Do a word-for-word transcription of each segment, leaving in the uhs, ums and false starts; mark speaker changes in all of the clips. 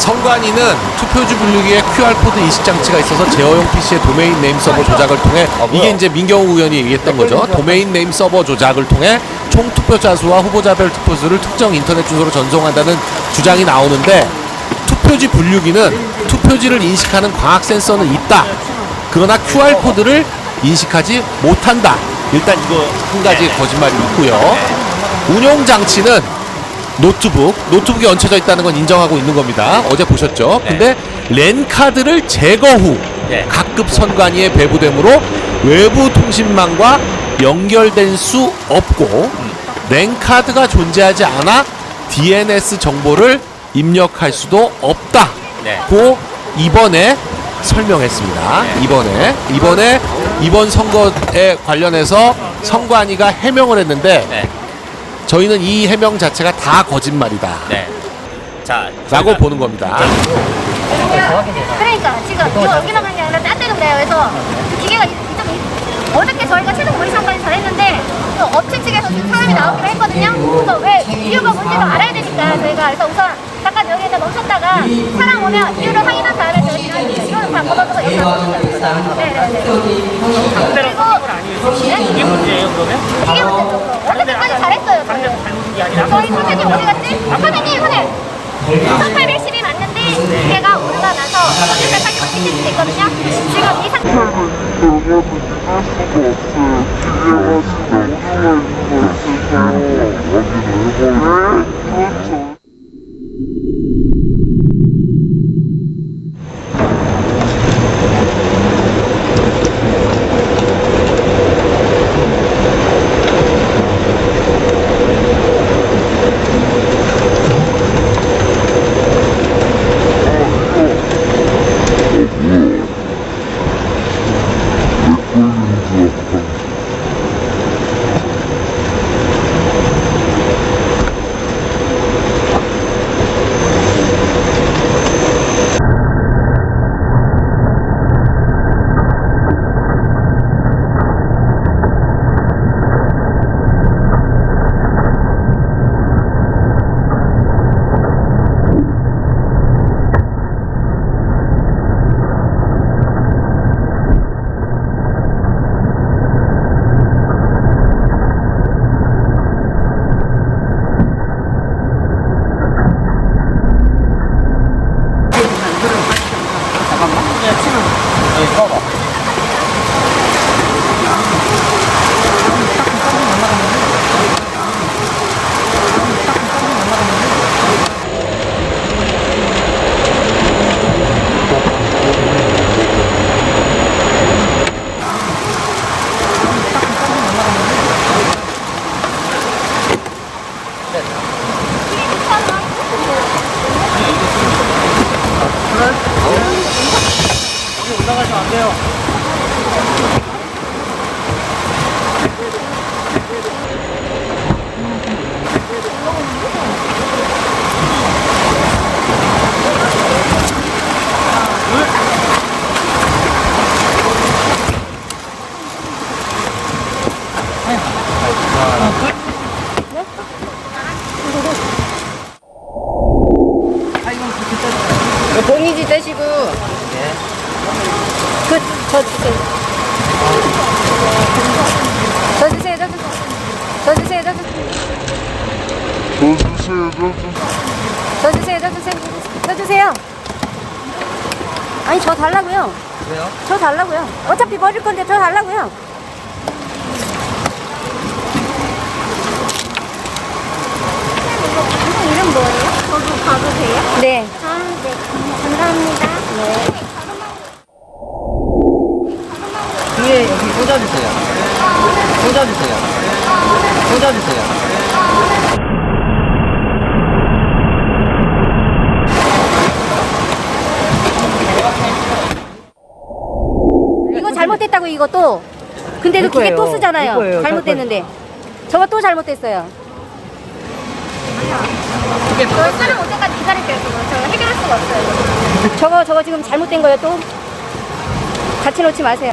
Speaker 1: 선관위는 투표지 분류기에 큐알코드 인식장치가 있어서 제어용 피시의 도메인 네임 서버 조작을 통해 이게 이제 민경우 의원이 얘기했던 거죠. 도메인 네임 서버 조작을 통해 총 투표자 수와 후보자별 투표수를 특정 인터넷 주소로 전송한다는 주장이 나오는데 투표지 분류기는 투표지를 인식하는 광학 센서는 있다. 그러나 큐알코드를 인식하지 못한다. 일단 이거 한 가지 거짓말이 있고요. 운용 장치는 노트북, 노트북이 얹혀져 있다는 건 인정하고 있는 겁니다. 어제 보셨죠? 근데 랜카드를 제거 후 각급 선관위에 배부되므로 외부 통신망과 연결될 수 없고 랜카드가 존재하지 않아 디엔에스 정보를 입력할 수도 없다고 이번에 설명했습니다. 이번에 이번에 이번 선거에 관련해서 선관위가 해명을 했는데 저희는 이 해명 자체가 다 거짓말이다.
Speaker 2: 네. 자,
Speaker 1: 라고 보는 겁니다.
Speaker 3: 그러니까 지금 이거 여기로 간게 아니라 딴 데로 그래요. 그래서 그 기계가 이- 이쪽 이- 어저께 저희가 최종 모의선까지 잘했는데 그 업체 측에서 지금 사람이 나오기로 했거든요. 그래서 왜 이유가 뭔지도 알아야 되니까 저희가 그래서 우선 잠깐 여기에다 멈췄다가 사람 오면 이유를 확인한 다음에 저희 지나니까 이거는 다 걷어서 여기 멈췄어요. 네네네. 그리고
Speaker 2: 이게 문제예요, 그러면?
Speaker 3: 이게 문제죠. 어저께까지 잘했어요. 저희.
Speaker 2: 잘못된 게 아니라
Speaker 3: 저희 선생님 어디 갔지? 선생님 오늘 천팔백십이 맞는데 기계가 오류가 나서 천육백팔십오 찍힐 수도 있거든요. 지금 이 상태
Speaker 2: 올라가시면 안 돼요.
Speaker 4: 봉이지 떼시고 그, 저 주세요. 저 주세요, 저 주세요. 저 주세요, 저 주세요. 저 주세요, 저 주세요. 저 주세요. 아니, 저 달라고요.
Speaker 2: 왜요?
Speaker 4: 저 달라고요. 어차피 버릴 건데 저 달라고요.
Speaker 3: 이름 뭐예요? 저도 봐도 돼요?
Speaker 4: 네.
Speaker 3: 아, 네. 감사합니다. 네.
Speaker 2: 뒤에 여기 꽂아주세요. 꽂아주세요. 꽂아주세요.
Speaker 4: 이거 잘못됐다고 이것도. 근데도 기계 또 쓰잖아요. 잘못됐는데. 저거 또 잘못됐어요.
Speaker 3: 저희 사람 올 때까지 기다릴게요. 지금 저희가 해결할 수가 없어요.
Speaker 4: 저거 저거 지금 잘못된 거예요 또? 같이 놓지 마세요.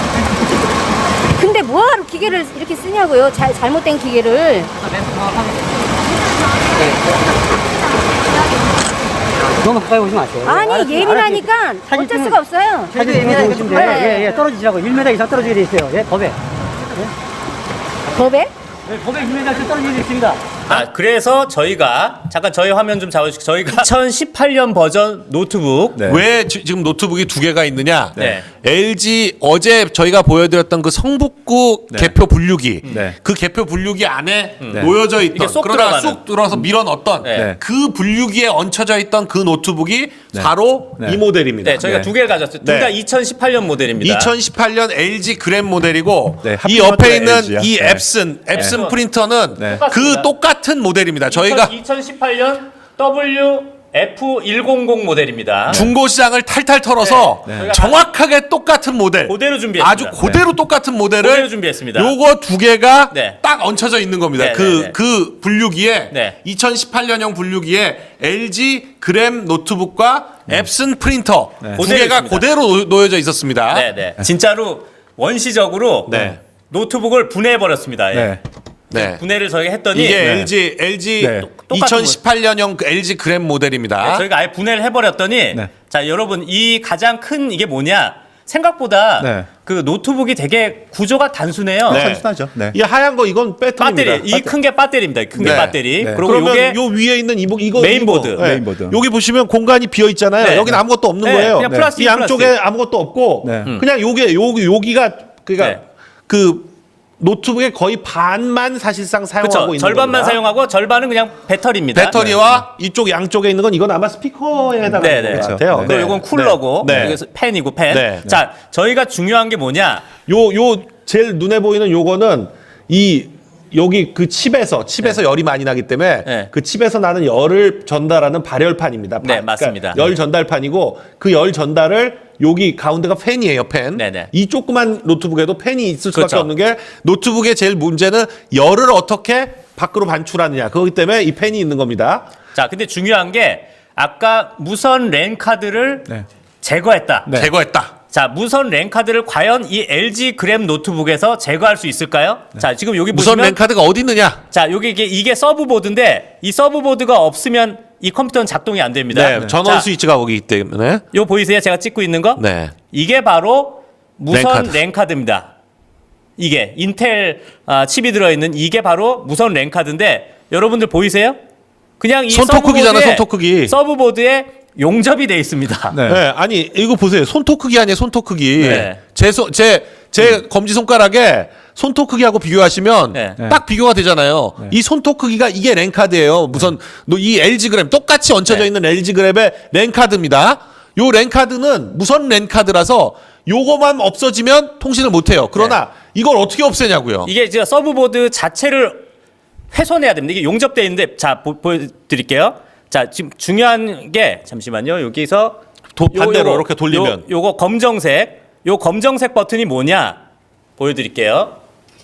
Speaker 4: 근데 뭐하러 기계를 이렇게 쓰냐고요? 잘, 잘못된 기계를.
Speaker 2: 너무 가까이 오지 마세요.
Speaker 4: 아니
Speaker 2: 알았지,
Speaker 4: 예민하니까
Speaker 2: 알았지. 사진
Speaker 4: 어쩔
Speaker 2: 찍는-
Speaker 4: 수가 없어요.
Speaker 2: 사진 예민하니까 좀
Speaker 4: 네.
Speaker 2: 예, 예, 떨어지시라고. 일 미터 이상 떨어지게 돼 있어요. 예, 법에.
Speaker 4: 법에?
Speaker 2: 네, 법에 일 미터 이상 떨어지게 돼 있습니다.
Speaker 5: 아, 그래서 저희가 잠깐 저희 화면 좀 잡아주시고 저희가 이천십팔 년 버전 노트북
Speaker 6: 네.
Speaker 1: 왜 지, 금 노트북이 두 개가 있느냐?
Speaker 5: 네.
Speaker 1: 엘지 어제 저희가 보여드렸던 그 성북구
Speaker 6: 네.
Speaker 1: 개표 분류기,
Speaker 6: 네.
Speaker 1: 그 개표 분류기 안에
Speaker 6: 네.
Speaker 1: 놓여져
Speaker 5: 이게
Speaker 1: 있던
Speaker 5: 쏙
Speaker 1: 그러다가
Speaker 5: 들어가는.
Speaker 1: 쑥 들어서 밀어 넣었던
Speaker 5: 네.
Speaker 1: 그 분류기에 얹혀져 있던 그 노트북이
Speaker 6: 네.
Speaker 1: 바로
Speaker 6: 네.
Speaker 1: 이 모델입니다.
Speaker 5: 네, 저희가
Speaker 6: 네.
Speaker 5: 두 개를 가졌어요. 둘 다
Speaker 1: 네.
Speaker 5: 이천십팔 년 모델입니다.
Speaker 1: 이천십팔 년 엘지 그램 모델이고
Speaker 6: 네,
Speaker 1: 이
Speaker 6: 하필이면
Speaker 1: 옆에
Speaker 6: 또
Speaker 1: 있는
Speaker 6: 엘지야.
Speaker 1: 이
Speaker 6: 네.
Speaker 1: 앱슨 앱슨
Speaker 5: 네.
Speaker 1: 프린터는
Speaker 6: 네.
Speaker 1: 그 똑같은 모델입니다. 저희가
Speaker 5: 이천십팔 년 더블유 에프 백십 모델입니다.
Speaker 1: 중고 시장을 탈탈 털어서
Speaker 5: 네. 네.
Speaker 1: 정확하게 똑같은 모델,
Speaker 5: 그대로 준비했습니다.
Speaker 1: 아주 그대로 똑같은 모델을
Speaker 5: 그대로 준비했습니다.
Speaker 1: 요거 두 개가
Speaker 5: 네.
Speaker 1: 딱 얹혀져 있는 겁니다.
Speaker 5: 네,
Speaker 1: 그,
Speaker 5: 네, 네.
Speaker 1: 그 분류기에
Speaker 5: 네.
Speaker 1: 이천십팔 년형 분류기에 엘지 그램 노트북과 앱슨 프린터 두
Speaker 5: 그대로
Speaker 1: 개가
Speaker 5: 있습니다.
Speaker 1: 그대로 놓- 놓여져 있었습니다.
Speaker 5: 네, 네. 진짜로 원시적으로
Speaker 1: 네.
Speaker 5: 노트북을 분해해 버렸습니다. 예.
Speaker 6: 네.
Speaker 1: 네.
Speaker 5: 분해를 저희가 했더니
Speaker 1: 이게
Speaker 6: 네.
Speaker 1: 엘지 엘지
Speaker 6: 네.
Speaker 1: 이천십팔 년형 그 엘지 그램 모델입니다.
Speaker 5: 네, 저희가 아예 분해를 해버렸더니
Speaker 6: 네.
Speaker 5: 자 여러분 이 가장 큰 이게 뭐냐 생각보다
Speaker 6: 네.
Speaker 5: 그 노트북이 되게 구조가 단순해요.
Speaker 1: 네.
Speaker 6: 단순하죠. 네.
Speaker 1: 이 하얀 거 이건 배터리입니다.
Speaker 5: 배터리 이 큰 게 배터리입니다. 큰 게
Speaker 1: 네.
Speaker 5: 배터리.
Speaker 6: 네.
Speaker 5: 그리고
Speaker 1: 그러면
Speaker 5: 이게
Speaker 1: 요 위에 있는 이거 이거
Speaker 5: 메인보드.
Speaker 1: 이거.
Speaker 6: 메인보드.
Speaker 1: 여기 보시면 공간이 비어 있잖아요.
Speaker 5: 네.
Speaker 1: 여기는 아무것도 없는
Speaker 5: 네,
Speaker 1: 거예요.
Speaker 5: 그냥 플라스틱,
Speaker 1: 이 양쪽에
Speaker 5: 플라스틱.
Speaker 1: 아무것도 없고
Speaker 6: 네.
Speaker 5: 음.
Speaker 1: 그냥 요게 요기 여기가 그러니까
Speaker 5: 네.
Speaker 1: 그 노트북의 거의 반만 사실상 사용하고
Speaker 5: 그렇죠.
Speaker 1: 있는
Speaker 5: 절반만
Speaker 1: 겁니다.
Speaker 5: 사용하고 절반은 그냥 배터리입니다.
Speaker 1: 배터리와 이쪽 양쪽에 있는 건 이건 아마 스피커에 해당하는
Speaker 5: 네, 네.
Speaker 1: 것 같아요.
Speaker 5: 그리고 이건 쿨러고
Speaker 1: 네. 네.
Speaker 5: 여기서 펜이고 펜.
Speaker 1: 네.
Speaker 5: 자 저희가 중요한 게 뭐냐?
Speaker 1: 요, 요, 제일 눈에 보이는 요거는 이, 여기 그 칩에서, 칩에서 열이 많이 나기 때문에
Speaker 5: 네.
Speaker 1: 그 칩에서 나는 열을 전달하는 발열판입니다.
Speaker 5: 네,
Speaker 1: 바-
Speaker 5: 맞습니다.
Speaker 1: 열 전달판이고 그 열 전달을 여기 가운데가 팬이에요, 팬.
Speaker 5: 네네.
Speaker 1: 이 조그만 노트북에도 팬이 있을 수밖에
Speaker 5: 그렇죠.
Speaker 1: 없는 게 노트북의 제일 문제는 열을 어떻게 밖으로 반출하느냐. 그렇기 때문에 이 팬이 있는 겁니다.
Speaker 5: 자 근데 중요한 게 아까 무선 랜 카드를
Speaker 6: 네.
Speaker 5: 제거했다.
Speaker 6: 네.
Speaker 1: 제거했다.
Speaker 5: 자 무선 랜 카드를 과연 이 엘지 그램 노트북에서 제거할 수 있을까요? 자 지금 여기
Speaker 1: 무선
Speaker 5: 보시면
Speaker 1: 랜카드가 어디 있느냐?
Speaker 5: 자 여기 이게 이게 서브보드인데 이 서브보드가 없으면 이 컴퓨터는 작동이 안 됩니다.
Speaker 1: 네, 전원
Speaker 5: 자,
Speaker 1: 스위치가 거기 있기 때문에.
Speaker 5: 요 보이세요? 제가 찍고 있는 거?
Speaker 1: 네.
Speaker 5: 이게 바로 무선
Speaker 1: 랜카드.
Speaker 5: 랜카드입니다. 이게 인텔 아, 칩이 들어있는 이게 바로 무선 랜카드인데 여러분들 보이세요? 그냥 이
Speaker 1: 손톱 크기잖아,
Speaker 5: 서브보드에-
Speaker 1: 손톱 크기.
Speaker 5: 서브보드에 용접이 돼 있습니다.
Speaker 6: 네.
Speaker 1: 네. 아니 이거 보세요. 손톱 크기 아니에요. 손톱 크기.
Speaker 5: 네.
Speaker 1: 제제 제 검지 손가락에 손톱 크기하고 비교하시면
Speaker 5: 네.
Speaker 1: 딱 비교가 되잖아요. 이 손톱 크기가 이게 랜카드예요. 무슨 너 이 엘지 그램 똑같이 얹혀져
Speaker 5: 네.
Speaker 1: 있는 엘지 그램의 랜카드입니다. 요 랜카드는 무선 랜카드라서 요거만 없어지면 통신을 못 해요. 그러나 이걸 어떻게 없애냐고요.
Speaker 5: 이게 이제 서브보드 자체를 훼손해야 됩니다. 이게 용접되어 있는데 자 보, 보여드릴게요. 자 지금 중요한 게 잠시만요. 여기서
Speaker 1: 도- 반대로
Speaker 5: 요거,
Speaker 1: 이렇게 돌리면.
Speaker 5: 요, 요거 검정색 요 검정색 버튼이 뭐냐 보여드릴게요.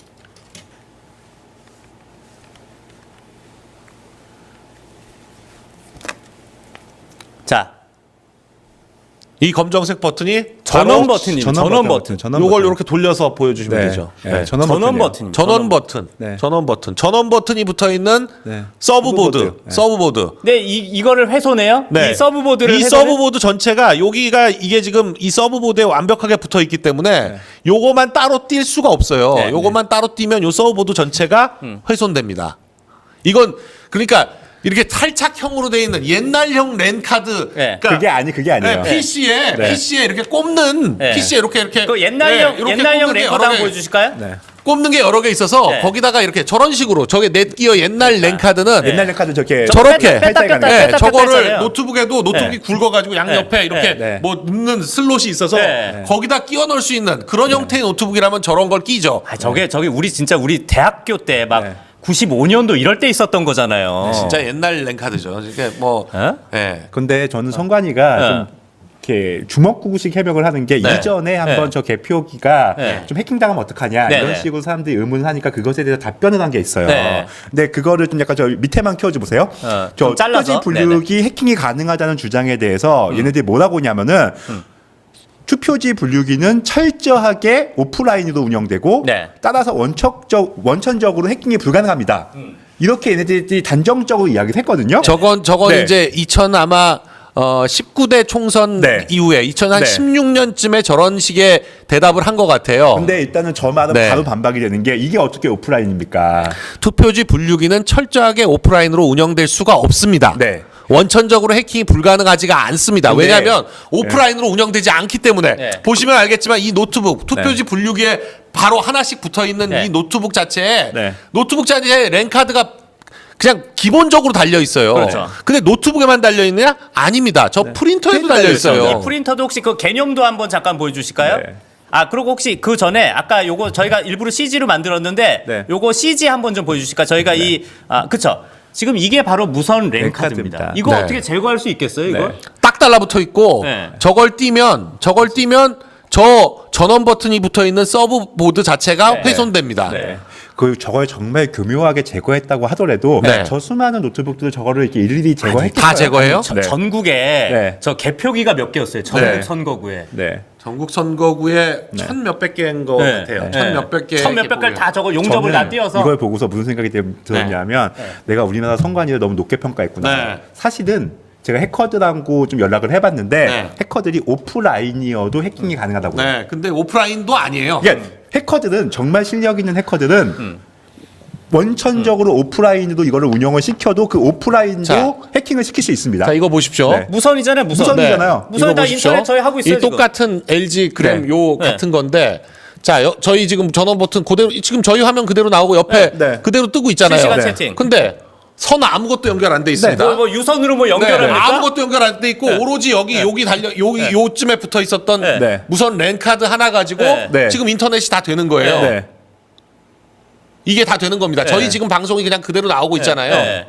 Speaker 5: 자
Speaker 1: 이 검정색 버튼이
Speaker 5: 전원
Speaker 1: 바로
Speaker 5: 버튼입니다. 전원,
Speaker 6: 전원
Speaker 5: 버튼.
Speaker 6: 버튼, 전원
Speaker 1: 요걸
Speaker 6: 버튼.
Speaker 1: 이렇게 돌려서 보여주시면
Speaker 6: 네.
Speaker 1: 되죠.
Speaker 6: 네.
Speaker 1: 네.
Speaker 6: 전원,
Speaker 5: 전원
Speaker 6: 버튼이요.
Speaker 5: 버튼.
Speaker 1: 전원 버튼,
Speaker 6: 네.
Speaker 1: 전원 버튼, 전원 버튼이 붙어 있는
Speaker 6: 네.
Speaker 1: 서브보드,
Speaker 6: 서브보드. 네.
Speaker 1: 서브보드.
Speaker 5: 네, 이 이거를 훼손해요? 이 서브보드를
Speaker 1: 이
Speaker 5: 훼손해?
Speaker 1: 서브보드 전체가 여기가 이게 지금 이 서브보드에 완벽하게 붙어 있기 때문에 요거만 따로 뛸 수가 없어요.
Speaker 5: 네.
Speaker 1: 요거만 따로 띄면 요 서브보드 전체가 훼손됩니다. 이건 그러니까 이렇게 탈착형으로 돼 있는 옛날형 랜카드.
Speaker 5: 네.
Speaker 6: 그게 아니 그게 아니에요.
Speaker 1: 네, 피시에
Speaker 6: 네.
Speaker 1: 피시에 이렇게 꼽는
Speaker 5: 네.
Speaker 1: 피시에 이렇게 이렇게
Speaker 5: 그 옛날형
Speaker 1: 네, 이렇게
Speaker 5: 옛날형
Speaker 1: 꼽는 게
Speaker 5: 랜카드
Speaker 1: 여러
Speaker 5: 한번
Speaker 1: 개-
Speaker 5: 보여주실까요?
Speaker 6: 네.
Speaker 1: 꼽는 게 여러 개 있어서
Speaker 5: 네.
Speaker 1: 거기다가 이렇게 저런 식으로 저게 넷기어 옛날 랜카드는
Speaker 5: 네.
Speaker 6: 옛날 카드 저렇게
Speaker 1: 저렇게
Speaker 5: 뺐다, 뺐다, 뺐다,
Speaker 1: 네,
Speaker 5: 뺐다,
Speaker 1: 저거를
Speaker 5: 뺐잖아요.
Speaker 1: 노트북에도 노트북이
Speaker 5: 네.
Speaker 1: 굵어가지고 양옆에
Speaker 5: 네.
Speaker 1: 이렇게
Speaker 6: 네.
Speaker 1: 뭐 넣는 슬롯이 있어서
Speaker 5: 네.
Speaker 1: 거기다 끼워 넣을 수 있는 그런 형태의 노트북이라면 저런 걸 끼죠.
Speaker 5: 아, 저게 저게 우리 진짜 우리 대학교 때 막
Speaker 6: 네.
Speaker 5: 구십오 년도 이럴 때 있었던 거잖아요.
Speaker 1: 진짜 옛날 랜카드죠. 이게 뭐,
Speaker 5: 어?
Speaker 1: 예.
Speaker 6: 근데 저는 성관이가
Speaker 5: 네.
Speaker 6: 좀 이렇게 주먹구구식 해명을 하는 게
Speaker 1: 네.
Speaker 6: 이전에 한번
Speaker 5: 네.
Speaker 6: 저 개표기가
Speaker 5: 네.
Speaker 6: 좀 해킹당하면 어떡하냐
Speaker 5: 네,
Speaker 6: 이런
Speaker 5: 네.
Speaker 6: 식으로 사람들이 의문을 하니까 그것에 대해서 답변을 한 게 있어요.
Speaker 5: 네.
Speaker 6: 근데 그거를 좀 약간 저 밑에만 키워줘 보세요.
Speaker 5: 어,
Speaker 6: 저
Speaker 5: 좀 잘라서?
Speaker 6: 투표지 분류기 해킹이 가능하다는 주장에 대해서
Speaker 5: 음.
Speaker 6: 얘네들이 뭐라고 하냐면은 투표지 분류기는 철저하게 오프라인으로 운영되고
Speaker 5: 네.
Speaker 6: 따라서 원천적 원천적으로 해킹이 불가능합니다.
Speaker 5: 음.
Speaker 6: 이렇게 얘네들이 단정적으로 이야기를 했거든요.
Speaker 1: 저건 저건
Speaker 6: 네.
Speaker 1: 이제 이천 아마 어, 십구 대 총선
Speaker 6: 네.
Speaker 1: 이후에 이천십육 년쯤에 저런 식의 대답을 한 것 같아요.
Speaker 6: 근데 일단은 저 말은
Speaker 1: 네.
Speaker 6: 바로 반박이 되는 게 이게 어떻게 오프라인입니까?
Speaker 1: 투표지 분류기는 철저하게 오프라인으로 운영될 수가 없습니다.
Speaker 6: 네.
Speaker 1: 원천적으로 해킹이 불가능하지가 않습니다.
Speaker 6: 근데-
Speaker 1: 왜냐하면 오프라인으로 운영되지 않기 때문에
Speaker 5: 네.
Speaker 1: 보시면 알겠지만 이 노트북 투표지
Speaker 6: 네.
Speaker 1: 분류기에 바로 하나씩 붙어 있는
Speaker 5: 네.
Speaker 1: 이 노트북 자체에
Speaker 6: 네.
Speaker 1: 노트북 자체에 랜카드가 그냥 기본적으로 달려 있어요.
Speaker 5: 그렇죠.
Speaker 1: 근데 노트북에만 달려 있느냐? 아닙니다. 저 프린터에도
Speaker 6: 프린터에
Speaker 1: 달려
Speaker 6: 있어요.
Speaker 1: 있어요.
Speaker 5: 이 프린터도 혹시 그 개념도 한번 잠깐 보여주실까요?
Speaker 6: 네.
Speaker 5: 아 그리고 혹시 그 전에 아까 요거 저희가 일부러 씨지로 만들었는데
Speaker 6: 네.
Speaker 5: 요거 씨지 한번 좀 보여주실까? 저희가 이 아 그쵸? 지금 이게 바로 무선 랜카드입니다.
Speaker 6: 랜카드입니다.
Speaker 5: 이거
Speaker 1: 네.
Speaker 5: 어떻게 제거할 수 있겠어요? 이걸?
Speaker 6: 네.
Speaker 1: 딱 달라붙어 있고
Speaker 5: 네.
Speaker 1: 저걸 띄면 저걸 띄면 저 전원 버튼이 붙어 있는 서브 보드 자체가
Speaker 5: 네.
Speaker 1: 훼손됩니다.
Speaker 5: 네.
Speaker 6: 그 저걸 정말 교묘하게 제거했다고 하더라도
Speaker 1: 네.
Speaker 6: 저 수많은 노트북들을 저거를 이렇게 일일이 제거했겠어요?
Speaker 1: 다 제거해요?
Speaker 5: 저-
Speaker 6: 네.
Speaker 5: 전국에
Speaker 6: 네.
Speaker 5: 저 개표기가 몇 개였어요. 전국
Speaker 1: 네.
Speaker 5: 선거구에.
Speaker 6: 네.
Speaker 1: 전국 선거구에 천 몇백 개인 거
Speaker 5: 네.
Speaker 1: 같아요.
Speaker 5: 네.
Speaker 1: 천 몇백 개.
Speaker 5: 천 몇백 개를 다 저거 용접을
Speaker 6: 저는
Speaker 5: 다 띄어서
Speaker 6: 이걸 보고서 무슨 생각이 들- 들었냐면 내가 우리나라 선관위를 너무 높게 평가했구나.
Speaker 1: 네.
Speaker 6: 사실은 제가 해커들하고 좀 연락을 해봤는데
Speaker 1: 네.
Speaker 6: 해커들이 오프라인이어도 해킹이 가능하다고요.
Speaker 1: 네, 근데 오프라인도 아니에요.
Speaker 6: 그러니까 해커들은 정말 실력 있는 해커들은
Speaker 1: 음.
Speaker 6: 원천적으로 오프라인으로 이거를 운영을 시켜도 그 오프라인도
Speaker 1: 자.
Speaker 6: 해킹을 시킬 수 있습니다.
Speaker 1: 자, 이거 보십시오.
Speaker 6: 네.
Speaker 5: 무선이잖아요. 무선.
Speaker 6: 무선이잖아요.
Speaker 5: 무선이
Speaker 1: 이거
Speaker 5: 다
Speaker 1: 보십시오.
Speaker 5: 인터넷 저희 하고 있어요.
Speaker 1: 이
Speaker 5: 지금.
Speaker 1: 똑같은 엘지 그램
Speaker 6: 네.
Speaker 1: 요
Speaker 5: 네.
Speaker 1: 같은 건데 자, 여, 저희 지금 전원 버튼 그대로 지금 저희 화면 그대로 나오고 옆에
Speaker 6: 네. 네.
Speaker 1: 그대로 뜨고 있잖아요.
Speaker 5: 실시간
Speaker 6: 네.
Speaker 5: 채팅.
Speaker 1: 근데 선 아무것도 연결 안 돼 있습니다.
Speaker 5: 뭐, 뭐 유선으로 뭐
Speaker 1: 네,
Speaker 5: 연결합니까?
Speaker 1: 아무것도 연결 안 돼 있고
Speaker 5: 네.
Speaker 1: 오로지 여기
Speaker 5: 네.
Speaker 1: 여기 달려 여기
Speaker 5: 네.
Speaker 1: 요쯤에 붙어 있었던
Speaker 5: 네.
Speaker 6: 네.
Speaker 1: 무선 랜카드 하나 가지고
Speaker 5: 네.
Speaker 6: 네.
Speaker 1: 지금 인터넷이 다 되는 거예요.
Speaker 6: 네.
Speaker 1: 이게 다 되는 겁니다.
Speaker 5: 네.
Speaker 1: 저희 지금 방송이 그냥 그대로 나오고 있잖아요.
Speaker 5: 네.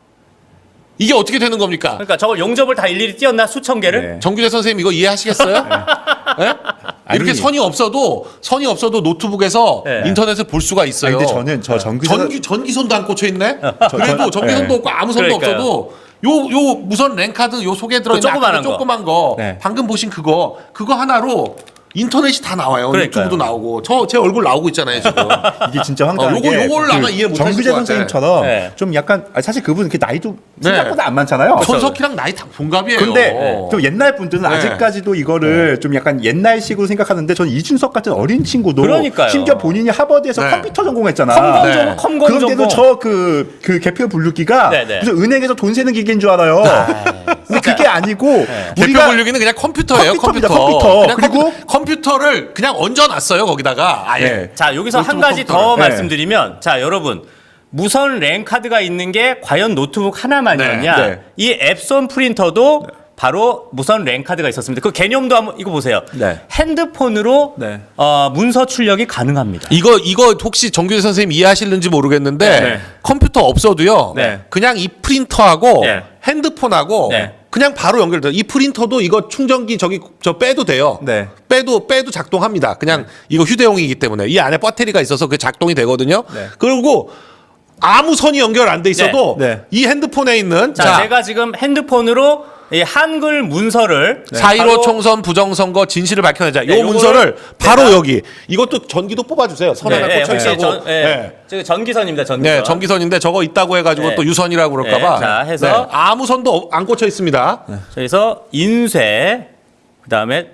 Speaker 1: 이게 어떻게 되는 겁니까?
Speaker 5: 그러니까 저걸 용접을 다 일일이 띄었나 수천 개를?
Speaker 6: 네.
Speaker 1: 정규재 선생님 이거 이해하시겠어요? 네? 이렇게
Speaker 6: 아니.
Speaker 1: 선이 없어도 선이 없어도 노트북에서
Speaker 5: 네.
Speaker 1: 인터넷을 볼 수가 있어요.
Speaker 6: 아니, 근데 저는 저 전기
Speaker 1: 전기 전기선도 안 꽂혀 있네.
Speaker 6: 저-
Speaker 1: 그래도
Speaker 6: 저-
Speaker 1: 전기선도
Speaker 6: 네.
Speaker 1: 없고 아무 선도
Speaker 5: 그러니까요.
Speaker 1: 없어도 요 요 무선 랜카드 요 속에 들어 있는
Speaker 5: 그 조그만한 거.
Speaker 1: 조그만 거
Speaker 6: 네.
Speaker 1: 방금 보신 그거 그거 하나로 인터넷이 다 나와요.
Speaker 5: 그러니까요.
Speaker 1: 유튜브도 나오고 저 제 얼굴 나오고 있잖아요 지금.
Speaker 6: 이게 진짜 황당한
Speaker 1: 어, 요거-
Speaker 6: 게
Speaker 1: 요걸 아마 이해 못 하실
Speaker 6: 정규재
Speaker 1: 것 같아.
Speaker 6: 선생님처럼
Speaker 5: 네.
Speaker 6: 좀 약간 아, 사실 그분 이렇게 나이도
Speaker 1: 네.
Speaker 6: 생각보다 안 많잖아요.
Speaker 1: 손석희랑 나이 다 동갑이에요.
Speaker 6: 근데 좀 옛날 분들은
Speaker 1: 네.
Speaker 6: 아직까지도 이거를 좀 약간 옛날식으로 생각하는데 저는 이준석 같은 어린 친구도
Speaker 5: 그러니까요.
Speaker 6: 심지어 본인이 하버드에서
Speaker 1: 네.
Speaker 6: 컴퓨터 전공했잖아.
Speaker 5: 컴공
Speaker 1: 네.
Speaker 5: 전공, 컴공
Speaker 6: 그런데도
Speaker 5: 전공.
Speaker 6: 저 그 그 개표 분류기가
Speaker 5: 네, 네.
Speaker 6: 무슨 은행에서 돈 세는 기계인 줄 알아요. 근데 그게 아니고
Speaker 1: 개표 분류기는 그냥 컴퓨터예요.
Speaker 6: 컴퓨터입니다,
Speaker 1: 컴퓨터.
Speaker 6: 컴퓨터.
Speaker 1: 그냥
Speaker 6: 그리고-
Speaker 1: 컴퓨- 컴퓨터를 그냥 얹어놨어요 거기다가 아예.
Speaker 6: 네.
Speaker 5: 자 여기서 한
Speaker 1: 노트북
Speaker 5: 가지 더
Speaker 1: 컴퓨터를.
Speaker 6: 네.
Speaker 5: 말씀드리면 자 여러분 무선 랜카드가 있는 게 과연 노트북 하나만이었냐?
Speaker 6: 네, 네.
Speaker 5: 이 앱손 프린터도 바로 무선 랜카드가 있었습니다. 그 개념도 한번 이거 보세요.
Speaker 6: 네.
Speaker 5: 핸드폰으로
Speaker 6: 네.
Speaker 5: 어, 문서 출력이 가능합니다.
Speaker 1: 이거 이거 혹시 정규재 선생님 이해하실는지 모르겠는데
Speaker 5: 네.
Speaker 1: 컴퓨터 없어도요.
Speaker 5: 네.
Speaker 1: 그냥 이 프린터하고
Speaker 5: 네.
Speaker 1: 핸드폰하고
Speaker 5: 네.
Speaker 1: 그냥 바로 연결돼요. 이 프린터도 이거 충전기 저기 저 빼도 돼요.
Speaker 6: 네.
Speaker 1: 빼도 빼도 작동합니다. 그냥 이거 휴대용이기 때문에 이 안에 배터리가 있어서 그 작동이 되거든요.
Speaker 6: 네.
Speaker 1: 그리고 아무 선이 연결 안 돼 있어도
Speaker 6: 네. 네.
Speaker 1: 이 핸드폰에 있는
Speaker 5: 자,
Speaker 1: 자,
Speaker 5: 제가 지금 핸드폰으로 이 한글 문서를
Speaker 1: 사일오
Speaker 5: 바로
Speaker 1: 총선 부정선거 진실을 밝혀내자.
Speaker 5: 네,
Speaker 1: 요
Speaker 5: 요거를
Speaker 1: 문서를 바로
Speaker 5: 내가-
Speaker 1: 여기 이것도 전기도 뽑아주세요. 선
Speaker 5: 네,
Speaker 1: 하나
Speaker 5: 네,
Speaker 1: 꽂혀
Speaker 5: 혹시
Speaker 1: 있고.
Speaker 5: 전, 네,
Speaker 1: 네.
Speaker 5: 저기 전기선입니다. 전기선.
Speaker 1: 네, 전기선인데 저거 있다고 해가지고
Speaker 5: 네.
Speaker 1: 또 유선이라고 그럴까봐.
Speaker 5: 네, 자, 해서-
Speaker 1: 아무 선도 안 꽂혀 있습니다.
Speaker 5: 그래서 인쇄 그다음에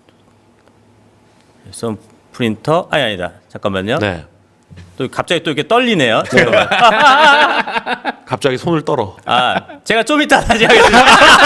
Speaker 5: 선 프린터 아니 아니다. 잠깐만요.
Speaker 1: 네.
Speaker 5: 또 갑자기 또 이렇게 떨리네요. 잠깐만.
Speaker 1: 갑자기 손을 떨어.
Speaker 5: 아, 제가 좀 이따 다시 하겠습니다.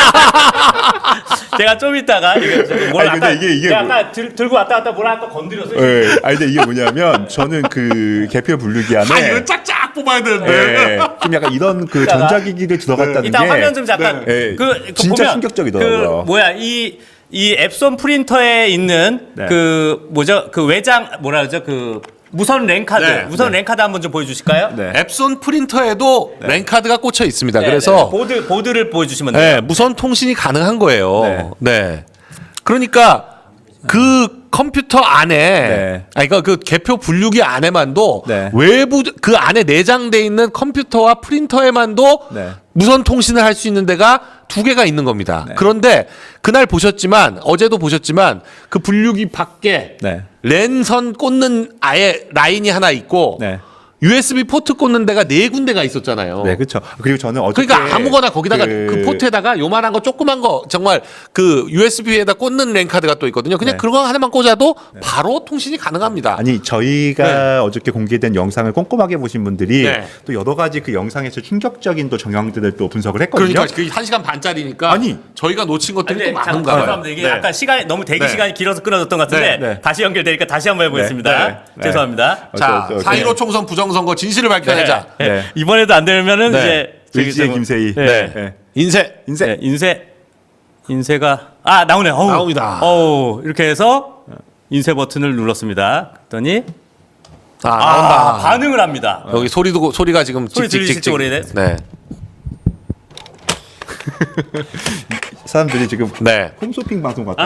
Speaker 5: 제가 좀 이따가 이게 저기 뭘
Speaker 6: 아니,
Speaker 5: 아까
Speaker 6: 근데 이게- 이게
Speaker 5: 제가
Speaker 6: 뭐-
Speaker 5: 아까 들, 들고 왔다 갔다 뭘 아까 건드렸어요.
Speaker 6: 네. 아니 근데 이게 뭐냐면 저는 그 개표 분류기 안에
Speaker 1: 아, 이거 짝짝 뽑아야 되는데.
Speaker 6: 네, 좀 약간 이런 그
Speaker 5: 이따가-
Speaker 6: 전자기기를 들어갔다는
Speaker 5: 이따
Speaker 6: 게
Speaker 5: 화면 좀 잠깐
Speaker 6: 네.
Speaker 5: 그, 그
Speaker 6: 진짜
Speaker 5: 보면
Speaker 6: 충격적이더라고요.
Speaker 5: 그 뭐야 이 이 앱손 프린터에 있는
Speaker 6: 네.
Speaker 5: 그 뭐죠 그 외장 뭐라 그러죠 그 무선 랜카드
Speaker 1: 네,
Speaker 5: 무선
Speaker 6: 네.
Speaker 5: 랜카드 한번 좀 보여주실까요?
Speaker 6: 네.
Speaker 1: 앱손 프린터에도 랜카드가 꽂혀 있습니다.
Speaker 5: 네,
Speaker 1: 그래서
Speaker 5: 네. 보드 보드를 보여주시면 돼요.
Speaker 1: 네, 무선 통신이 가능한 거예요.
Speaker 6: 네.
Speaker 1: 네. 그러니까 그 컴퓨터 안에,
Speaker 6: 네.
Speaker 1: 아니 그러니까 그 개표 분류기 안에만도
Speaker 6: 네.
Speaker 1: 외부 그 안에 내장돼 있는 컴퓨터와 프린터에만도
Speaker 6: 네.
Speaker 1: 무선 통신을 할 수 있는 데가 두 개가 있는 겁니다.
Speaker 6: 네.
Speaker 1: 그런데 그날 보셨지만 어제도 보셨지만 그 분류기 밖에
Speaker 6: 네.
Speaker 1: 랜선 꽂는 아예 라인이 하나 있고
Speaker 6: 네.
Speaker 1: 유에스비 포트 꽂는 데가 네 군데가 있었잖아요.
Speaker 6: 네, 그렇죠. 그리고 저는 어저께
Speaker 1: 그러니까 아무거나 거기다가 그,
Speaker 6: 그
Speaker 1: 포트에다가 요만한 거 조그만 거 정말 그 유에스비에다 꽂는 랜카드가 또 있거든요. 그냥
Speaker 6: 네.
Speaker 1: 그거 하나만 꽂아도 바로 통신이 가능합니다.
Speaker 6: 아니 저희가 어저께 공개된 영상을 꼼꼼하게 보신 분들이
Speaker 1: 네.
Speaker 6: 또 여러 가지 그 영상에서 충격적인 또 정황들을 또 분석을 했거든요.
Speaker 1: 그러니까 그 한 시간 반짜리니까
Speaker 6: 아니.
Speaker 1: 저희가 놓친 것들이
Speaker 5: 근데
Speaker 1: 또
Speaker 5: 잠깐
Speaker 1: 많은가 봐요.
Speaker 5: 죄송합니다. 이게
Speaker 1: 네.
Speaker 5: 약간 시간이 너무 대기
Speaker 1: 네.
Speaker 5: 시간이 길어서 끊어졌던 것 같은데
Speaker 6: 네, 네.
Speaker 5: 다시 연결되니까 다시 한번 해보겠습니다.
Speaker 6: 네, 네, 네.
Speaker 5: 죄송합니다.
Speaker 1: 자,
Speaker 6: 어, 저, 저,
Speaker 1: 사 일오
Speaker 6: 네.
Speaker 1: 총선 부정선거 진실을 밝혀내자.
Speaker 5: 네.
Speaker 6: 네.
Speaker 5: 이번에도 안 되면은
Speaker 1: 네.
Speaker 5: 이제 저기
Speaker 6: 의지의
Speaker 5: 저-
Speaker 6: 김세희.
Speaker 5: 네.
Speaker 1: 네.
Speaker 6: 네.
Speaker 1: 인쇄.
Speaker 6: 인쇄.
Speaker 5: 네, 인쇄 인쇄가 아 나오네. 어우.
Speaker 1: 나옵니다.
Speaker 5: 어우, 이렇게 해서 인쇄 버튼을 눌렀습니다. 그랬더니
Speaker 1: 아,
Speaker 5: 아,
Speaker 1: 나온다.
Speaker 5: 반응을 합니다.
Speaker 1: 여기 소리도 소리가 지금
Speaker 5: 소리 들리실지
Speaker 1: 찍찍찍찍.
Speaker 5: 모르겠네.
Speaker 1: 네.
Speaker 6: 사람들이 지금
Speaker 1: 네.
Speaker 6: 홈쇼핑 방송 같다.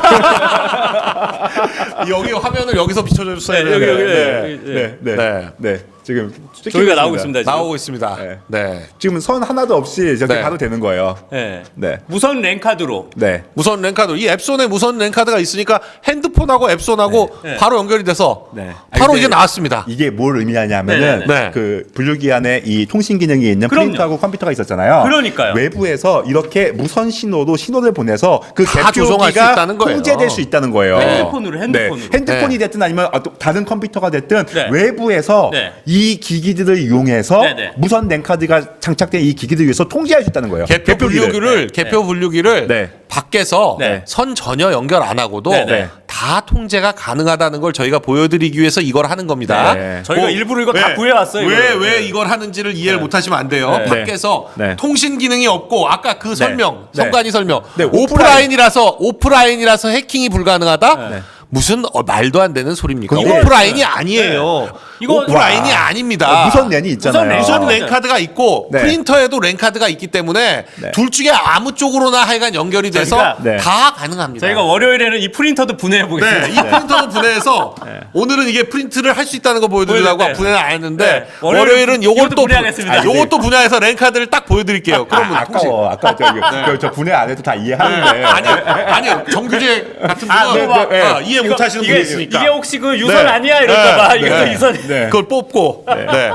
Speaker 1: 여기 화면을 여기서 비춰줘 주세요.
Speaker 5: 네, 여기, 여기,
Speaker 1: 네.
Speaker 5: 네.
Speaker 6: 네, 네,
Speaker 1: 네.
Speaker 6: 네. 지금
Speaker 5: 저희가 나오고 있습니다. 지금.
Speaker 1: 나오고 있습니다.
Speaker 6: 네.
Speaker 1: 네.
Speaker 6: 지금 선 하나도 없이 저렇게
Speaker 1: 네.
Speaker 6: 가도 되는 거예요.
Speaker 5: 네.
Speaker 6: 네,
Speaker 5: 무선 랜카드로
Speaker 6: 네.
Speaker 1: 무선 랜카드. 이 앱손에 무선 랜카드가 있으니까 핸드폰하고 앱손하고
Speaker 5: 네. 네.
Speaker 1: 바로 연결이 돼서
Speaker 6: 네.
Speaker 1: 바로
Speaker 6: 아니,
Speaker 1: 이게
Speaker 6: 근데
Speaker 1: 나왔습니다.
Speaker 6: 이게 뭘 의미하냐면은
Speaker 1: 네, 네, 네.
Speaker 6: 그 분류기 안에 이 통신 기능이 있는
Speaker 5: 그럼요.
Speaker 6: 프린터하고 컴퓨터가 있었잖아요.
Speaker 5: 그러니까요.
Speaker 6: 외부에서 이렇게 무선 신호로 신호를 보내서 그
Speaker 1: 다 조종할 수
Speaker 6: 개표기가
Speaker 1: 있다는 거예요.
Speaker 6: 통제될 수 있다는 거예요.
Speaker 5: 핸드폰으로, 핸드폰으로.
Speaker 6: 네. 핸드폰이 됐든 아니면 어, 또 다른 컴퓨터가 됐든
Speaker 5: 네.
Speaker 6: 외부에서
Speaker 5: 네.
Speaker 6: 이 기기들을 이용해서
Speaker 5: 네, 네.
Speaker 6: 무선 랜카드가 장착된 이 기기들을 위해서 통제할 수 있다는 거예요.
Speaker 1: 개표
Speaker 6: 개표기를.
Speaker 1: 분류기를
Speaker 5: 네.
Speaker 1: 개표 분류기를
Speaker 6: 네.
Speaker 1: 밖에서
Speaker 5: 네.
Speaker 1: 선 전혀 연결 안 하고도
Speaker 5: 네, 네.
Speaker 1: 다 통제가 가능하다는 걸 저희가 보여드리기 위해서 이걸 하는 겁니다.
Speaker 6: 네.
Speaker 5: 저희가
Speaker 1: 뭐,
Speaker 5: 일부러 이거
Speaker 1: 왜,
Speaker 5: 다 구해왔어요.
Speaker 1: 왜,
Speaker 5: 이거를.
Speaker 1: 왜
Speaker 5: 네.
Speaker 1: 이걸 하는지를 이해를 못 하시면 안 돼요.
Speaker 5: 네.
Speaker 1: 밖에서
Speaker 6: 네.
Speaker 1: 통신 기능이 없고 아까 그 설명,
Speaker 6: 네.
Speaker 1: 성관이 설명.
Speaker 6: 네, 오프라인.
Speaker 1: 오프라인이라서 오프라인이라서 해킹이 불가능하다?
Speaker 6: 네.
Speaker 1: 무슨 어, 말도 안 되는 소리입니까?
Speaker 6: 그게-
Speaker 1: 오프라인이 아니에요.
Speaker 5: 이거-
Speaker 1: 오프라인이
Speaker 6: 와.
Speaker 1: 아닙니다.
Speaker 6: 무선 랜이 있잖아요.
Speaker 5: 무선 랜.
Speaker 1: 무선
Speaker 5: 어.
Speaker 1: 랜카드가 있고
Speaker 6: 네.
Speaker 1: 프린터에도 랜카드가 있기 때문에
Speaker 6: 네.
Speaker 1: 둘 중에 아무 쪽으로나 하여간 연결이 돼서
Speaker 5: 저희가-
Speaker 6: 네.
Speaker 1: 다 가능합니다.
Speaker 5: 저희가 월요일에는 이 프린터도 분해해 보겠습니다.
Speaker 1: 네, 이 프린터도 분해해서 오늘은 이게 프린트를 할 수 있다는 거 보여드리려고
Speaker 5: 보여드릴 때.
Speaker 1: 분해를 안 했는데
Speaker 5: 네. 월요일은
Speaker 1: 월요일은
Speaker 5: 이것도
Speaker 1: 요것도
Speaker 5: 분해하겠습니다.
Speaker 1: 분- 아, 요것도 분야에서 랜카드를 딱 보여드릴게요. 그러면
Speaker 6: 아,
Speaker 1: 통신.
Speaker 6: 아까워. 아까 저, 저, 저 분해 안 해도 다 이해하는데.
Speaker 1: 아니요, 아니요. 정규제 같은
Speaker 5: 아,
Speaker 1: 분은
Speaker 5: 네,
Speaker 6: 네,
Speaker 1: 아, 이해 못 하시는
Speaker 5: 이게,
Speaker 1: 분이 있으니까.
Speaker 5: 이게 혹시 그 유선
Speaker 1: 네.
Speaker 5: 아니야 이럴까봐
Speaker 1: 네.
Speaker 5: 이것도
Speaker 1: 네.
Speaker 5: 유선.
Speaker 6: 네.
Speaker 1: 그걸 뽑고. 네.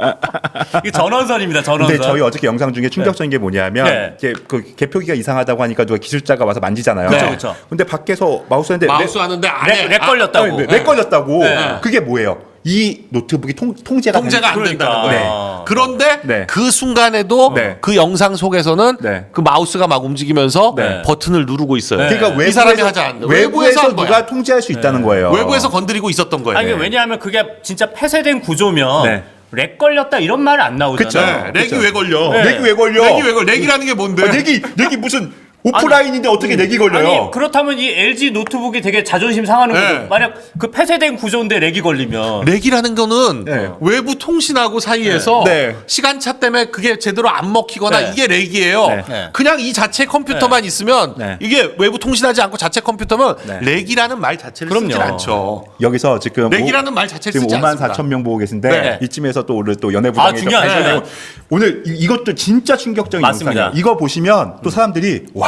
Speaker 5: 이게 전원선입니다. 전원선.
Speaker 6: 근데 저희 어저께 영상 중에 충격적인 게 뭐냐면
Speaker 5: 네.
Speaker 6: 이제 그 개표기가 이상하다고 하니까 누가 기술자가 와서 만지잖아요.
Speaker 5: 그쵸, 그쵸.
Speaker 6: 근데 밖에서 마우스 했는데
Speaker 1: 마우스 하는데 안에
Speaker 5: 렉, 렉
Speaker 1: 아,
Speaker 5: 걸렸다고.
Speaker 6: 렉, 렉 걸렸다고.
Speaker 5: 네.
Speaker 6: 그게 뭐예요? 이 노트북이 통, 통제가
Speaker 1: 통제가 안
Speaker 6: 되는-
Speaker 1: 된다는
Speaker 5: 그러니까.
Speaker 1: 거예요.
Speaker 5: 네.
Speaker 1: 그런데
Speaker 6: 네.
Speaker 1: 그 순간에도
Speaker 6: 네.
Speaker 1: 그 영상 속에서는
Speaker 6: 네.
Speaker 1: 그 마우스가 막 움직이면서
Speaker 6: 네.
Speaker 1: 버튼을 누르고 있어요.
Speaker 5: 네.
Speaker 6: 그러니까 외부에서,
Speaker 1: 이 사람이 하지 않는다.
Speaker 6: 외부에서,
Speaker 1: 외부에서 한 거야.
Speaker 6: 누가 통제할 수 있다는 거예요.
Speaker 1: 외부에서 건드리고 있었던 거예요.
Speaker 5: 아니, 이게 왜냐하면 그게 진짜 폐쇄된 구조면
Speaker 6: 네.
Speaker 5: 렉 걸렸다 이런 말 안 나오잖아요.
Speaker 1: 네, 렉이
Speaker 6: 그쵸.
Speaker 1: 왜 걸려?
Speaker 5: 네.
Speaker 6: 렉이 왜 걸려?
Speaker 1: 렉이 왜 걸려? 렉이라는 게 뭔데?
Speaker 6: 아, 렉이 렉이 무슨 오프라인인데 어떻게 렉이 걸려요?
Speaker 5: 아니 그렇다면 이 엘지 노트북이 되게 자존심 상하는
Speaker 1: 네.
Speaker 5: 거죠. 만약 그 폐쇄된 구조인데 렉이 걸리면
Speaker 1: 렉이라는 거는
Speaker 6: 네.
Speaker 1: 외부 통신하고 사이에서
Speaker 6: 네.
Speaker 1: 시간차 때문에 그게 제대로 안 먹히거나
Speaker 5: 네.
Speaker 1: 이게 렉이에요.
Speaker 6: 네.
Speaker 5: 네.
Speaker 1: 그냥 이 자체 컴퓨터만 있으면
Speaker 6: 네.
Speaker 1: 이게 외부 통신하지 않고 자체 컴퓨터면
Speaker 6: 네.
Speaker 1: 렉이라는 말 자체를
Speaker 5: 그럼요.
Speaker 1: 쓰질 않죠.
Speaker 6: 여기서 지금
Speaker 1: 렉이라는 말 자체를
Speaker 6: 지금
Speaker 1: 쓰지
Speaker 6: 오만
Speaker 1: 않습니다.
Speaker 6: 사천 명 보고 계신데
Speaker 1: 네.
Speaker 6: 이쯤에서 또 오늘 또 연예부장이
Speaker 5: 아, 중요하죠.
Speaker 6: 발표되고
Speaker 5: 네.
Speaker 6: 오늘 이, 이것도 진짜 충격적인
Speaker 5: 맞습니다.
Speaker 6: 영상이에요. 이거 보시면 또 사람들이 와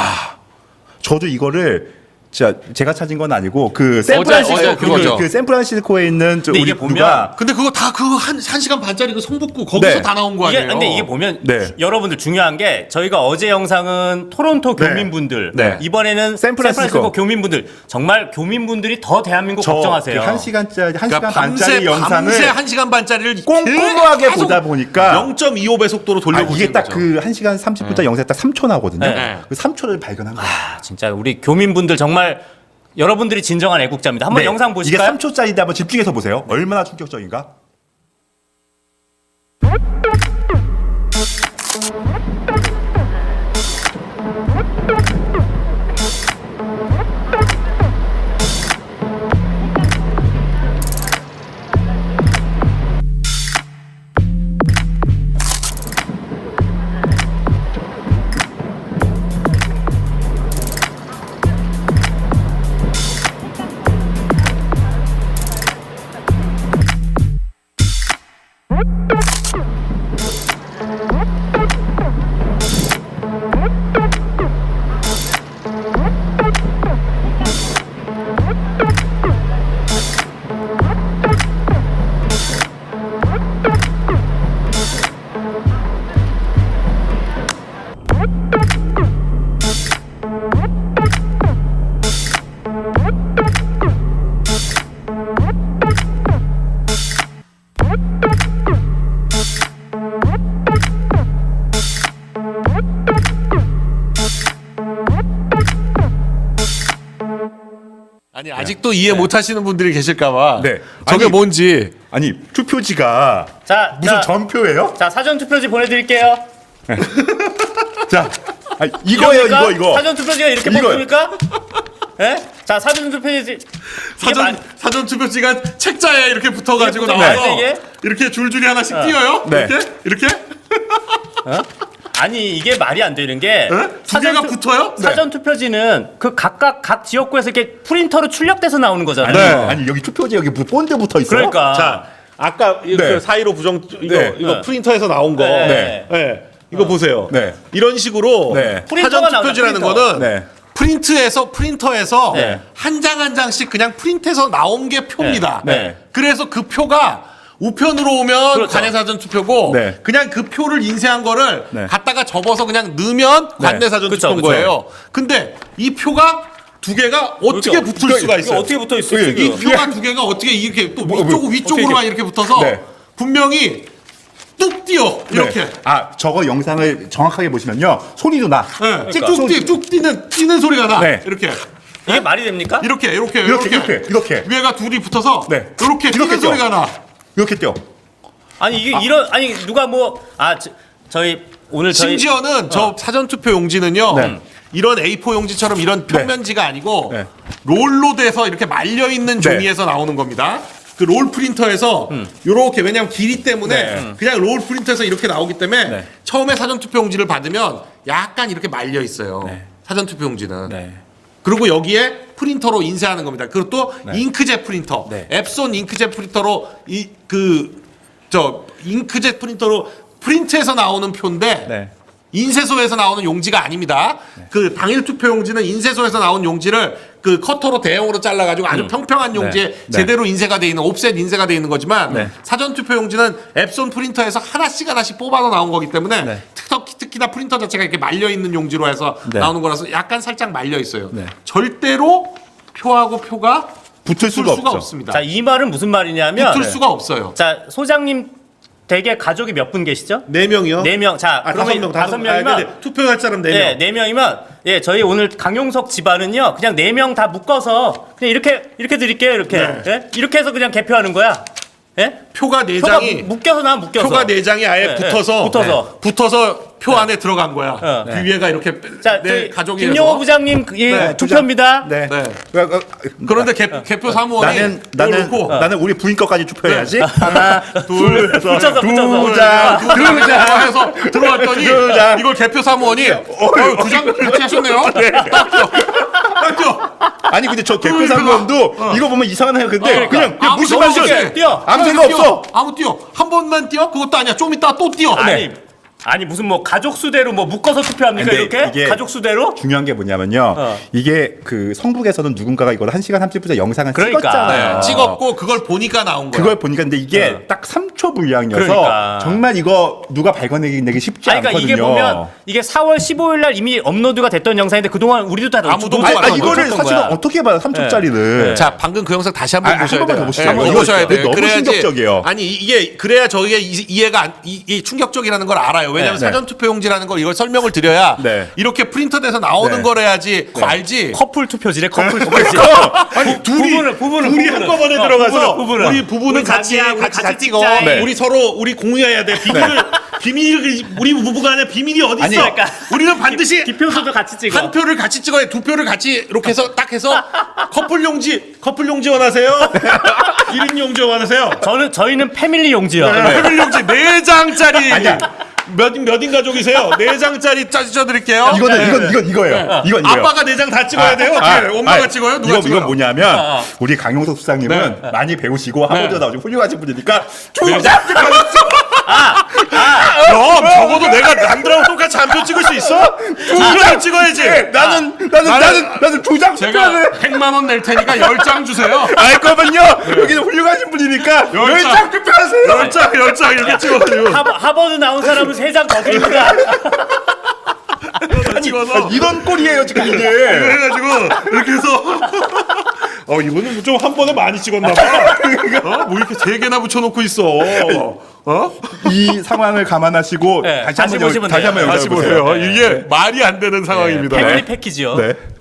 Speaker 6: 저도 이거를 진짜 제가 찾은 건 아니고 그 샌프란시스코
Speaker 1: 어제 그거죠.
Speaker 6: 그, 그 샌프란시스코에 있는 저
Speaker 5: 근데
Speaker 6: 우리
Speaker 5: 이게 보면
Speaker 6: 누가
Speaker 1: 근데 그거 다 그 한 한 시간 반짜리 그 성북구 거기서
Speaker 6: 네.
Speaker 1: 다 나온 거
Speaker 5: 이게
Speaker 1: 아니에요?
Speaker 5: 근데 이게 보면
Speaker 6: 네.
Speaker 5: 여러분들 중요한 게 저희가 어제 영상은 토론토
Speaker 6: 네.
Speaker 5: 교민분들
Speaker 6: 네.
Speaker 5: 이번에는
Speaker 6: 샌프란시스코.
Speaker 5: 샌프란시스코 교민분들 정말 교민분들이 더 대한민국 걱정하세요.
Speaker 6: 저한 시간짜리 한
Speaker 1: 그러니까
Speaker 6: 시간
Speaker 1: 밤새
Speaker 6: 반짜리 영상을
Speaker 1: 밤새 한 시간 반짜리를
Speaker 6: 꼼꼼하게
Speaker 1: 계속
Speaker 6: 보다 보니까
Speaker 1: 영 점 이오 배 속도로
Speaker 6: 아,
Speaker 1: 돌려보시는
Speaker 6: 이게 딱
Speaker 1: 거죠.
Speaker 6: 그 한 시간 삼십 분짜리 영상이 딱 삼 초 나오거든요.
Speaker 5: 네.
Speaker 6: 그 삼 초를 발견한 거예요.
Speaker 5: 아, 진짜 우리 교민분들 정말 여러분들이 진정한 애국자입니다. 한번
Speaker 6: 네.
Speaker 5: 영상
Speaker 6: 이게
Speaker 5: 보실까요?
Speaker 6: 삼 초짜리인데 한번 집중해서 보세요. 얼마나 충격적인가?
Speaker 1: 아니 아직도 이해 못하시는 분들이 계실까봐.
Speaker 6: 네.
Speaker 1: 저게
Speaker 6: 아니,
Speaker 1: 뭔지.
Speaker 6: 아니 투표지가
Speaker 5: 자,
Speaker 6: 무슨
Speaker 5: 자.
Speaker 6: 전표예요?
Speaker 5: 자, 사전 투표지 보내드릴게요.
Speaker 6: 자, 아니, 이거예요,
Speaker 5: 이겁니까?
Speaker 6: 이거 이거.
Speaker 5: 사전 투표지가 이렇게
Speaker 6: 이거요.
Speaker 5: 뽑습니까? 예? 자, 사전 투표지. 이게
Speaker 1: 사전
Speaker 5: 말-
Speaker 1: 사전 투표지가 책자에 이렇게 붙어가지고
Speaker 5: 이게
Speaker 1: 나와서
Speaker 5: 붙어 있는데, 이게?
Speaker 1: 이렇게 줄줄이 하나씩 띄어요.
Speaker 6: 네.
Speaker 1: 이렇게 이렇게
Speaker 5: 아니 이게 말이 안 되는 게
Speaker 1: 네? 두 개가
Speaker 5: 투-
Speaker 1: 붙어요?
Speaker 5: 사전 투표지는 그 각각 각 지역구에서 이렇게 프린터로 출력돼서 나오는 거잖아요.
Speaker 6: 아니, 아니 여기 투표지 여기 본드 붙어 있어요.
Speaker 5: 그러니까
Speaker 1: 자, 아까 이-
Speaker 6: 네.
Speaker 1: 그 사일오 부정 이거
Speaker 6: 네.
Speaker 1: 이거
Speaker 5: 네.
Speaker 1: 프린터에서 나온 거.
Speaker 5: 네.
Speaker 1: 네. 이거 보세요.
Speaker 6: 네.
Speaker 1: 이런 식으로
Speaker 6: 네.
Speaker 5: 프린터가
Speaker 1: 사전
Speaker 5: 나오죠,
Speaker 1: 투표지라는
Speaker 5: 프린터.
Speaker 1: 거는
Speaker 6: 네.
Speaker 1: 프린트에서 프린터에서
Speaker 5: 네.
Speaker 1: 한 장 한 장씩 그냥 프린트해서 나온 게 표입니다.
Speaker 6: 네. 네.
Speaker 1: 그래서 그 표가 우편으로 오면
Speaker 5: 그렇죠.
Speaker 1: 관내사전 투표고
Speaker 6: 네.
Speaker 1: 그냥 그 표를 인쇄한 거를
Speaker 6: 네.
Speaker 1: 갖다가 접어서 그냥 넣으면 관내사전
Speaker 5: 그쵸,
Speaker 1: 투표인
Speaker 5: 그쵸.
Speaker 1: 거예요. 근데 이 표가 두 개가 어떻게
Speaker 5: 그러니까
Speaker 1: 붙을
Speaker 6: 이거-
Speaker 1: 수가
Speaker 5: 이거
Speaker 1: 있어요?
Speaker 5: 어떻게 붙어 있어요?
Speaker 1: 이
Speaker 5: 지금?
Speaker 1: 표가 두 개가 어떻게 이렇게 또
Speaker 6: 뭐,
Speaker 1: 위쪽
Speaker 6: 뭐,
Speaker 1: 위쪽으로만
Speaker 5: 어떻게
Speaker 1: 이렇게 붙어서
Speaker 6: 네.
Speaker 1: 분명히 뚝 뛰어 이렇게.
Speaker 6: 네. 아 저거 영상을 정확하게 보시면요 소리도 나.
Speaker 1: 네.
Speaker 5: 그러니까.
Speaker 1: 쭉, 뛰, 쭉 뛰는 뛰는 소리가 나.
Speaker 6: 네.
Speaker 1: 이렇게.
Speaker 5: 이게 말이 됩니까?
Speaker 1: 이렇게 이렇게
Speaker 6: 이렇게, 이렇게, 이렇게.
Speaker 1: 위에가 둘이 붙어서
Speaker 6: 네.
Speaker 1: 이렇게 뛰는
Speaker 6: 이렇게 뛰어.
Speaker 1: 소리가 나.
Speaker 6: 이렇게 뛰어.
Speaker 5: 아니 이게 이런 아니 누가 뭐 아 저희 오늘 저희
Speaker 1: 심지어는 저 사전 투표 용지는요.
Speaker 6: 네.
Speaker 1: 이런 에이포 용지처럼 이런 평면지가 아니고
Speaker 6: 네.
Speaker 1: 롤로 돼서 이렇게 말려 있는
Speaker 6: 네.
Speaker 1: 종이에서 나오는 겁니다. 그 롤 프린터에서 요렇게 왜냐면 길이 때문에
Speaker 6: 네.
Speaker 1: 그냥 롤 프린터에서 이렇게 나오기 때문에
Speaker 6: 네.
Speaker 1: 처음에 사전 투표 용지를 받으면 약간 이렇게 말려 있어요.
Speaker 6: 네.
Speaker 1: 사전 투표 용지는.
Speaker 6: 네.
Speaker 1: 그리고 여기에 프린터로 인쇄하는 겁니다. 그리고 또 잉크젯 프린터,
Speaker 6: 네.
Speaker 1: 앱손 잉크젯 프린터로 이 그 저 잉크젯 프린터로 프린트해서 나오는 표인데
Speaker 6: 네.
Speaker 1: 인쇄소에서 나오는 용지가 아닙니다. 그 당일 투표 용지는 인쇄소에서 나온 용지를 그 커터로 대형으로 잘라가지고 아주 평평한 용지에
Speaker 6: 네.
Speaker 1: 제대로 인쇄가 돼 있는 옵셋 인쇄가 돼 있는 거지만
Speaker 6: 네.
Speaker 1: 사전 투표 용지는 앱손 프린터에서 하나씩 하나씩 뽑아서 나온 거기 때문에
Speaker 6: 네.
Speaker 1: 특히, 특히나 프린터 자체가 이렇게 말려 있는 용지로 해서
Speaker 6: 네.
Speaker 1: 나오는 거라서 약간 살짝 말려 있어요.
Speaker 6: 네.
Speaker 1: 절대로 표하고 표가
Speaker 6: 붙을 수가 없죠.
Speaker 1: 없습니다.
Speaker 5: 자 이 말은 무슨 말이냐면
Speaker 1: 붙을 수가 없어요.
Speaker 5: 자 소장님 댁에 가족이 몇 분 계시죠?
Speaker 1: 네 명이요?
Speaker 5: 네 명. 자
Speaker 1: 아,
Speaker 5: 그러면
Speaker 1: 다섯 명,
Speaker 5: 다섯 명이면
Speaker 1: 투표할 사람 네 명.
Speaker 5: 네, 네 명이면 예, 저희 오늘 강용석 집안은요. 그냥 네 명 다 묶어서 그냥 이렇게 이렇게 드릴게요. 이렇게.
Speaker 1: 네.
Speaker 5: 예? 이렇게 해서 그냥 개표하는 거야. 예?
Speaker 1: 표가 네
Speaker 5: 표가
Speaker 1: 장이
Speaker 5: 묶- 묶여서 나 묶여서.
Speaker 1: 표가 네 장이 아예
Speaker 5: 네,
Speaker 1: 붙어서
Speaker 5: 네, 붙어서.
Speaker 1: 붙어서 표 안에 들어간 거야.
Speaker 5: 어.
Speaker 1: 그 위에가 이렇게
Speaker 5: 자,
Speaker 1: 내
Speaker 5: 저희
Speaker 1: 가족이
Speaker 5: 김용호
Speaker 1: 해서.
Speaker 5: 부장님 그- 예,
Speaker 1: 네,
Speaker 5: 투표입니다.
Speaker 6: 네.
Speaker 1: 네.
Speaker 6: 그, 어,
Speaker 1: 그런데 개, 개표 사무원이
Speaker 6: 나는 나는
Speaker 1: 놓고
Speaker 6: 나는 우리 부인 것까지 투표해야지.
Speaker 5: 하나, 둘, 붙여서 붙여서.
Speaker 6: 두 장,
Speaker 1: 두 장 해서 들어왔더니
Speaker 6: 두 장.
Speaker 1: 이걸 개표 사무원이 어, 두장 같이 하셨네요. 딱 줘. 딱 줘.
Speaker 6: 아니 근데 저 개표 상관도 이거 보면 이상하네요. 근데
Speaker 5: 그러니까.
Speaker 6: 그냥, 그냥
Speaker 1: 아무
Speaker 6: 무시만
Speaker 1: 생각
Speaker 6: 줘.
Speaker 1: 없이
Speaker 5: 뛰어.
Speaker 6: 아무
Speaker 1: 아무
Speaker 6: 생각
Speaker 1: 뛰어.
Speaker 6: 없어.
Speaker 1: 아무 뛰어. 한 번만 뛰어? 그것도 아니야. 좀 이따 또 뛰어.
Speaker 5: 아니, 아니 무슨 뭐 가족 수대로 뭐 묶어서 투표합니까
Speaker 6: 근데
Speaker 5: 이렇게?
Speaker 6: 이게-
Speaker 5: 가족 수대로?
Speaker 6: 중요한 게 뭐냐면요.
Speaker 5: 어.
Speaker 6: 이게 그 성북에서는 누군가가 이걸 한 시간 삼십 분째 영상을
Speaker 5: 그러니까.
Speaker 6: 찍었잖아요.
Speaker 1: 네, 찍었고 그걸 보니까 나온 거야.
Speaker 6: 그걸 보니까 근데 이게
Speaker 5: 어.
Speaker 6: 딱 삼 초 분량이어서
Speaker 5: 그러니까.
Speaker 6: 정말 이거 누가 발견하기 내기 쉽지
Speaker 5: 아니, 그러니까
Speaker 6: 않거든요.
Speaker 5: 이게 보면 이게 사월 십오일 날 이미 업로드가 됐던 영상인데 그동안 우리도 다
Speaker 1: 아무도
Speaker 5: 놓-
Speaker 1: 못
Speaker 6: 아니,
Speaker 1: 봤던
Speaker 6: 아니, 이거를
Speaker 5: 놓쳤던
Speaker 6: 사실은
Speaker 5: 거야.
Speaker 6: 어떻게 봐요? 삼 초짜리를.
Speaker 5: 네.
Speaker 1: 자, 방금 그 영상 다시 한번
Speaker 6: 아, 한
Speaker 1: 보셔야
Speaker 6: 번만
Speaker 1: 돼요.
Speaker 6: 더 보시죠.
Speaker 1: 네,
Speaker 6: 한 번만
Speaker 1: 이거
Speaker 6: 더
Speaker 1: 보셔야
Speaker 6: 보시죠.
Speaker 1: 돼요.
Speaker 6: 너무
Speaker 1: 그래야지.
Speaker 6: 충격적이에요.
Speaker 1: 아니 이게 그래야 저희가 이, 이해가 안, 이, 이 충격적이라는 걸 알아요. 왜냐하면
Speaker 6: 네.
Speaker 1: 사전 투표용지라는 걸 이걸 설명을 드려야
Speaker 6: 네.
Speaker 1: 이렇게 프린터돼서 나오는
Speaker 6: 네.
Speaker 1: 걸 해야지 그거 알지.
Speaker 5: 커플 투표지래 커플 투표지.
Speaker 1: 아니 둘이
Speaker 5: 부부는, 부부는,
Speaker 1: 둘이
Speaker 5: 부부는.
Speaker 1: 한꺼번에
Speaker 5: 어,
Speaker 1: 들어가서
Speaker 5: 부부는, 부부는.
Speaker 1: 우리 부부는
Speaker 5: 우리
Speaker 1: 같이
Speaker 5: 자기야,
Speaker 1: 같이,
Speaker 5: 우리
Speaker 1: 같이,
Speaker 5: 같이
Speaker 1: 찍어.
Speaker 5: 찍자.
Speaker 6: 네.
Speaker 1: 우리 서로 우리 공유해야 돼. 비밀을 비밀을 우리 부부간에 비밀이 어디 있어?
Speaker 6: 아니,
Speaker 5: 그러니까.
Speaker 1: 우리는 반드시
Speaker 5: 기표수도 같이 찍어.
Speaker 1: 한 표를 같이 찍어야 두 표를 같이 이렇게 해서 딱 해서 커플 용지 커플 용지 원하세요? 일 인 용지 원하세요?
Speaker 5: 저는 저희는 패밀리 용지요.
Speaker 1: 커플 용지 네 장짜리 몇몇인 가족이세요? 네 장짜리 짜주셔 드릴게요.
Speaker 6: 이거는 이건 이건 이거예요. 이건 이거예요.
Speaker 1: 아빠가 네 장 다 찍어야 돼요? 어떻게 해요? 엄마가
Speaker 6: 아,
Speaker 1: 찍어요? 누가
Speaker 6: 이거,
Speaker 1: 찍어요?
Speaker 6: 이건 뭐냐면
Speaker 5: 어, 어.
Speaker 6: 우리 강용석 수장님은
Speaker 1: 네.
Speaker 6: 많이 배우시고 하버드 나오시고 훌륭하신 분이니까
Speaker 1: 네.
Speaker 6: 조작
Speaker 1: 그럼 적어도 내가 남들하고 똑같이 한 표 찍을 수 있어? 두 장 찍어야지.
Speaker 6: 나는 나는 나는 나는 조작
Speaker 1: 제가
Speaker 6: 투표를
Speaker 1: 백만 원 낼 테니까 열 장 주세요.
Speaker 6: 알 거면요. 여기는 훌륭하신 분이니까
Speaker 1: 열
Speaker 6: 열
Speaker 1: 장.
Speaker 6: 장 투표하세요.
Speaker 1: 열 장, 열 장 이렇게 찍어가지고.
Speaker 5: 하버, 하버드 나온 사람은 세 장 더 드립니다.
Speaker 1: 찍어서.
Speaker 6: 이런 꼴이에요 지금 이게.
Speaker 1: 해가지고 이렇게 해서 어 이거는 좀 한 번에 많이 찍었나 봐. 어? 뭐 이렇게 세 개나 붙여놓고 있어. 어?
Speaker 6: 이 상황을 감안하시고
Speaker 5: 네,
Speaker 6: 다시
Speaker 5: 다시
Speaker 6: 한번 여-
Speaker 5: 보시면
Speaker 6: 다시
Speaker 5: 돼요.
Speaker 6: 한번
Speaker 1: 다시
Speaker 6: 영상 보세요.
Speaker 1: 보세요. 이게 말이 안 되는 상황입니다.
Speaker 5: 패밀리 패키지요.
Speaker 6: 네.